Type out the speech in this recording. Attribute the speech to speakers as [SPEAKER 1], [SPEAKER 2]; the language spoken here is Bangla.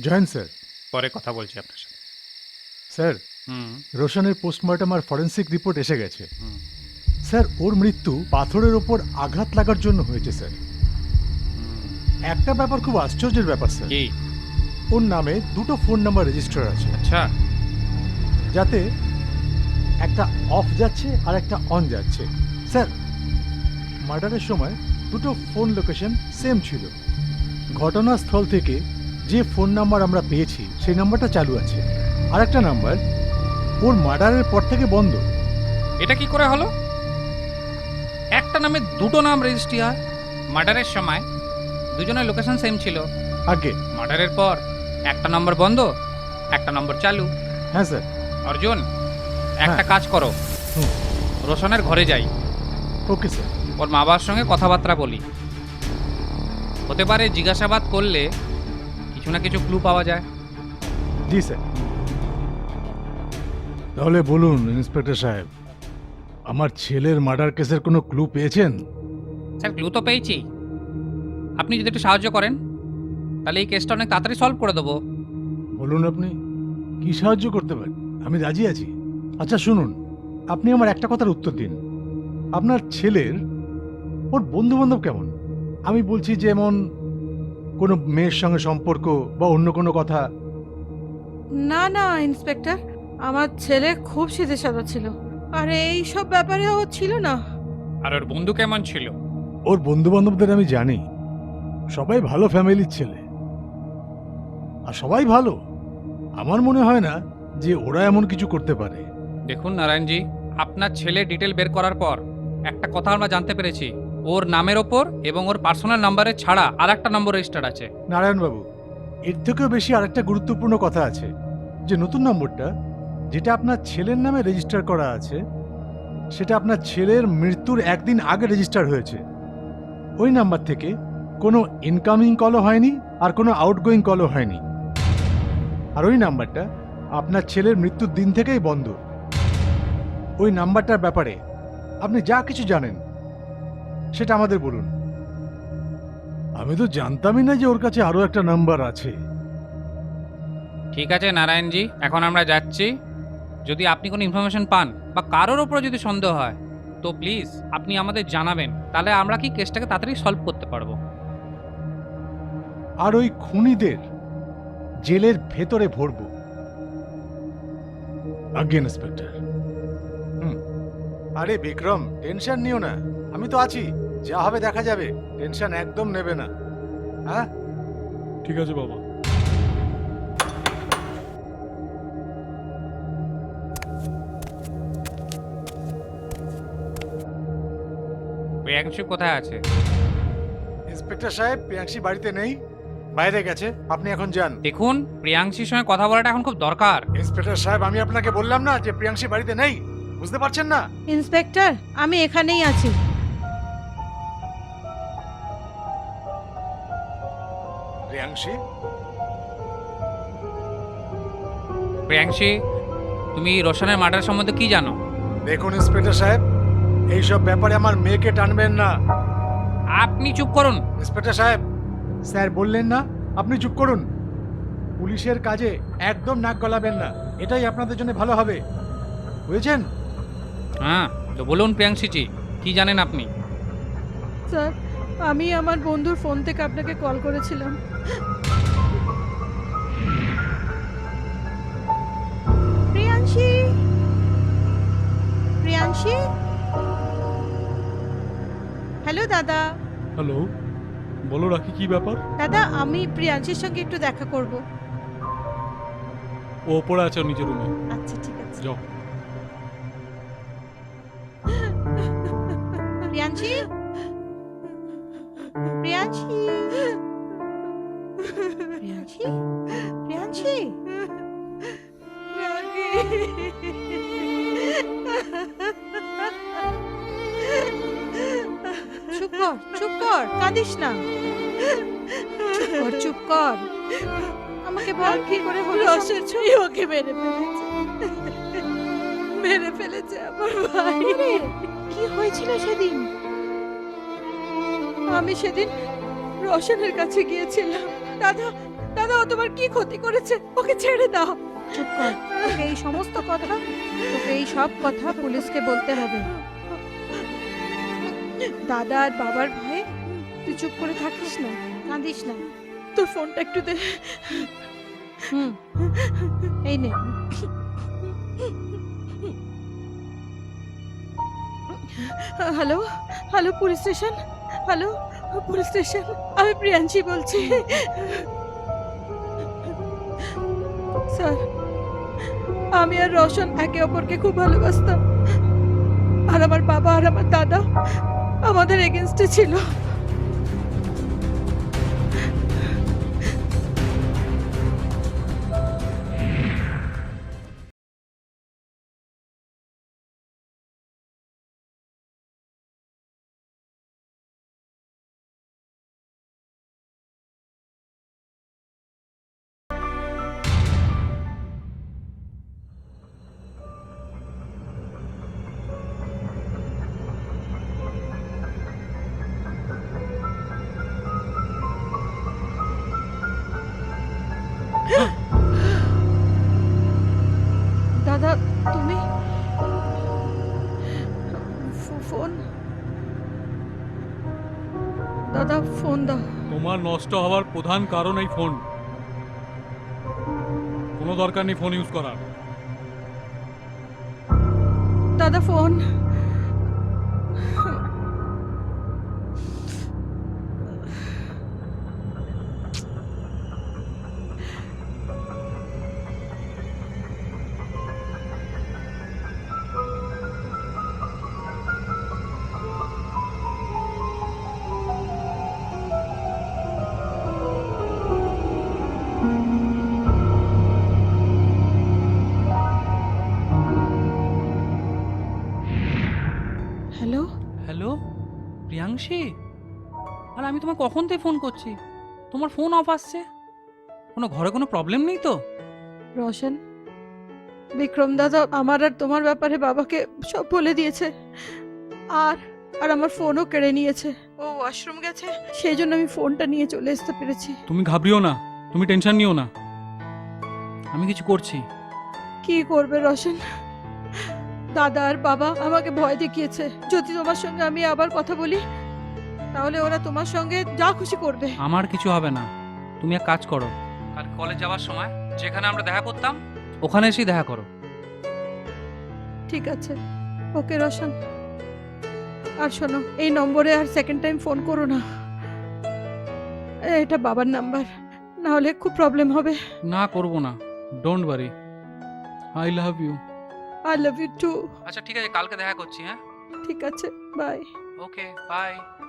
[SPEAKER 1] Join sir.
[SPEAKER 2] পরে কথা বলছি আপনার সাথে।
[SPEAKER 1] স্যার,
[SPEAKER 2] হুম
[SPEAKER 1] রোশনের পোস্টমর্টম আর ফরেন্সিক রিপোর্ট এসে গেছে।
[SPEAKER 2] হুম
[SPEAKER 1] স্যার, ওর মৃত্যু পাথরের ওপর আঘাত লাগার জন্য হয়েছে স্যার।
[SPEAKER 2] হুম।
[SPEAKER 1] একটা ব্যাপার খুব আশ্চর্যের ব্যাপার স্যার,
[SPEAKER 2] কি?
[SPEAKER 1] ওর নামে দুটো ফোন নাম্বার রেজিস্টার আছে,
[SPEAKER 2] আচ্ছা।
[SPEAKER 1] যাতে একটা অফ যাচ্ছে আর একটা অন যাচ্ছে। স্যার, মার্ডারের সময় দুটো ফোন লোকেশন সেম ছিল। ঘটনাস্থল থেকে যে ফোন নাম্বার আমরা পেয়েছি সেই নাম্বারটা চালু আছে, আর একটা নাম্বার ওর মার্ডারের পর থেকে বন্ধ।
[SPEAKER 2] এটা কি করে হলো? একটা নামে দুটো নাম রেজিস্ট্রি হয়? মার্ডারের সময় দুজনের লোকেশন সেম ছিল,
[SPEAKER 1] আগে।
[SPEAKER 2] মার্ডারের পর একটা নম্বর বন্ধ, একটা নম্বর চালু।
[SPEAKER 1] হ্যাঁ স্যার।
[SPEAKER 2] অর্জুন, একটা
[SPEAKER 1] হ্যাঁ।
[SPEAKER 2] কাজ করো,
[SPEAKER 1] হুম।
[SPEAKER 2] রোশনের ঘরে যাই,
[SPEAKER 1] ওকে স্যার।
[SPEAKER 2] ওর মা বাবার সঙ্গে কথাবার্তা বলি। হতে পারে জিজ্ঞাসাবাদ করলে কিছু না কিছু ক্লু পাওয়া যায়।
[SPEAKER 1] জি স্যার। তাহলে বলুন ইন্সপেক্টর সাহেব, আমার ছেলের মার্ডার কেসের কোনো ক্লু পেয়েছেন?
[SPEAKER 2] স্যার, ক্লু তো পেয়েছি। আপনি যদি একটু সাহায্য করেন তাহলে এই কেসটা অনেক তাড়াতাড়ি সলভ করে দেবো।
[SPEAKER 1] বলুন আপনি কি সাহায্য করতে পারেন, আমি রাজি আছি। আচ্ছা শুনুন, আপনি আমার একটা কথার উত্তর দিন। আপনার ছেলের ওর বন্ধু বান্ধব কেমন? আমি বলছি যেমন কোনো মেয়ের সঙ্গে সম্পর্ক বা অন্য কোনো কথা।
[SPEAKER 3] না না ইন্সপেক্টর, আমার ছেলে খুব সিধে সাদা ছিল, আর এই সব ব্যাপারে ও ছিল না।
[SPEAKER 2] আর ওর বন্ধু কেমন ছিল?
[SPEAKER 1] ওর বন্ধু বান্ধবদের আমি জানি, সবাই ভালো ফ্যামিলির ছেলে, আর সবাই ভালো। আমার মনে হয় না যে ওরা এমন কিছু করতে পারে।
[SPEAKER 2] দেখুন নারায়ণজি, আপনার ছেলে ডিটেল বের করার পর একটা কথা আমরা জানতে পেরেছি, ওর নামের ওপর এবং ওর পার্সোনাল নাম্বারে ছাড়া আর একটা নম্বর রেজিস্টার্ড আছে।
[SPEAKER 1] নারায়ণবাবু, এর থেকেও বেশি আরেকটা গুরুত্বপূর্ণ কথা আছে, যে নতুন নম্বরটা যেটা আপনার ছেলের নামে রেজিস্টার করা আছে সেটা আপনার ছেলের মৃত্যুর একদিন আগে রেজিস্টার হয়েছে। ওই নাম্বার থেকে কোনো ইনকামিং কলও হয়নি আর কোনো আউটগোয়িং কলও হয়নি। আর ওই নাম্বারটা আপনার ছেলের মৃত্যুর দিন থেকেই বন্ধ। ওই নাম্বারটার ব্যাপারে আপনি যা কিছু জানেন সেটা আমাদের বলুন। আমি তো জানতামই না যে ওর কাছে আরো একটা নাম্বার আছে।
[SPEAKER 2] ঠিক আছে নারায়ণজি, এখন আমরা যাচ্ছি। যদি আপনি কোনো ইনফরমেশন পান বা কারোর ওপরে যদি সন্দেহ হয় তো প্লিজ আপনি আমাদের জানাবেন, তাহলে আমরা কি কেসটাকে তাড়াতাড়ি সলভ করতে পারবো।
[SPEAKER 1] আর ওই খুনিদের জেলের ভেতরে ভরবো। আজ্ঞে ইন্সপেক্টর। আরে বিক্রম, টেনশন নিও না, আমি তো আছি, যা হবে দেখা যাবে, টেনশন একদম নেবে না। হ্যাঁ
[SPEAKER 4] ঠিক আছে বাবা।
[SPEAKER 2] প্রিয়াংশু কোথায় আছে?
[SPEAKER 1] ইন্সপেক্টর সাহেব, প্রিয়াংশী বাড়িতে নেই, বাইরে গেছে, আপনি এখন যান।
[SPEAKER 2] দেখুন, প্রিয়াংশীর সঙ্গে কথা বলাটা এখন খুব দরকার।
[SPEAKER 1] ইন্সপেক্টর সাহেব, আমি আপনাকে বললাম না যে প্রিয়াংশী বাড়িতে নেই, বুঝতে পারছেন না?
[SPEAKER 3] ইন্সপেক্টর, আমি এখানেই আছি।
[SPEAKER 1] প্রিয়াংশী?
[SPEAKER 2] প্রিয়াংশী, তুমি রোশনের মার্ডার সম্বন্ধে কি জানো?
[SPEAKER 1] দেখুন ইন্সপেক্টর সাহেব, এইসব ব্যাপারে আমার মেয়েকে টানবেন না।
[SPEAKER 2] আপনি চুপ করুন।
[SPEAKER 1] ইন্সপেক্টর সাহেব, স্যার বললেন না আপনি চুপ করুন। পুলিশের কাজে একদম নাক গলাবেন না, এটাই আপনাদের জন্য ভালো হবে, বুঝেছেন?
[SPEAKER 2] হ্যাঁ, তো বলুন প্রিয়াংশীজি, কি জানেন আপনি?
[SPEAKER 3] স্যার, আমি আমার বন্ধুর ফোন থেকে আপনাকে কল করেছিলাম। প্রিয়াংশী, প্রিয়াংশী, হ্যালো দাদা।
[SPEAKER 4] হ্যালো, বলো রাখি, কি ব্যাপার?
[SPEAKER 3] দাদা, আমি প্রিয়াংশীর সঙ্গে একটু দেখা করব।
[SPEAKER 4] ও ওপরে আছে ওর নিজের রুমে,
[SPEAKER 3] আচ্ছা ঠিক আছে।
[SPEAKER 4] যাও।
[SPEAKER 3] প্রিয়াংশী, প্রিয়াংশী, প্রিয়াংশী, প্রিয়াংশী, চুপ কর, চুপ কর, কাঁদিস না, চুপ কর, চুপ কর। আমাকে বল কি করে হলো?
[SPEAKER 5] রসের ছুঁই ওকে মেরে ফেলেছে, মেরে ফেলেছে আমার ভাই।
[SPEAKER 3] আরে, কি হয়েছিল সেদিন?
[SPEAKER 5] আমি সেদিন রোশনের কাছে গিয়েছিলাম। দাদা,
[SPEAKER 3] দাদা ও তোমার কি ক্ষতি করেছে? ওকে ছেড়ে দাও। চুপ কর। তোকে এই সমস্ত কথা, তোকে এই সব কথা পুলিশকে বলতে হবে। দাদা আর বাবার ভয়ে তুই চুপ করে থাকিস না, কাঁদিস না। তোর ফোনটা একটু দে। এই নে। Hello, hello police station. Hello police station, আমি প্রিয়াংশী বলছি। স্যার, আমি আর রোশন একে অপরকে খুব ভালোবাসতাম, আর আমার বাবা আর আমার দাদা আমাদের এগেনস্টে ছিল। দাদা তুমি ফোন, দাদা ফোন দাও।
[SPEAKER 4] তোমার নষ্ট হওয়ার প্রধান কারণ এই ফোন। কোনো দরকার নেই ফোন ইউজ করার।
[SPEAKER 3] দাদা ফোন। হ্যালো,
[SPEAKER 2] হ্যালো প্রিয়াংশী, আর আমি তোমায় কখন থেকে ফোন করছি, তোমার ফোন অফ আসছে। কোনো ঘরে কোনো প্রবলেম নেই তো?
[SPEAKER 3] রোশন, বিক্রম দাদা আমার আর তোমার ব্যাপারে বাবাকে সব বলে দিয়েছে, আর আর আমার ফোনও কেড়ে নিয়েছে। ও ওয়াশরুম গেছে, সেই জন্য আমি ফোনটা নিয়ে চলে আসতে পেরেছি।
[SPEAKER 4] তুমি ঘাবড়িও না, তুমি টেনশন নিও না, আমি কিছু করছি।
[SPEAKER 3] কি করবে রোশন? দাদা আর বাবা আমাকে ভয় দেখিয়েছে, যদি তোমার সঙ্গে আমি আবার কথা বলি তাহলে ওরা তোমার সঙ্গে যা খুশি করবে।
[SPEAKER 2] আমার কিছু হবে না, তুমি এক কাজ করো, কাল কলেজ যাওয়ার সময় যেখানে আমরা দেখা করতাম ওখানে এসেই দেখা করো।
[SPEAKER 3] ঠিক আছে, ওকে রোশন। আর শোনো, এই নম্বরে আর সেকেন্ড টাইম ফোন করো না, এটা বাবার নাম্বার, না হলে খুব প্রবলেম হবে।
[SPEAKER 4] না করব না, don't worry, I love you.
[SPEAKER 3] I love you too.
[SPEAKER 2] আচ্ছা ঠিক আছে, কালকে দেখা করছি। হ্যাঁ
[SPEAKER 3] ঠিক আছে, বাই।
[SPEAKER 2] Okay bye.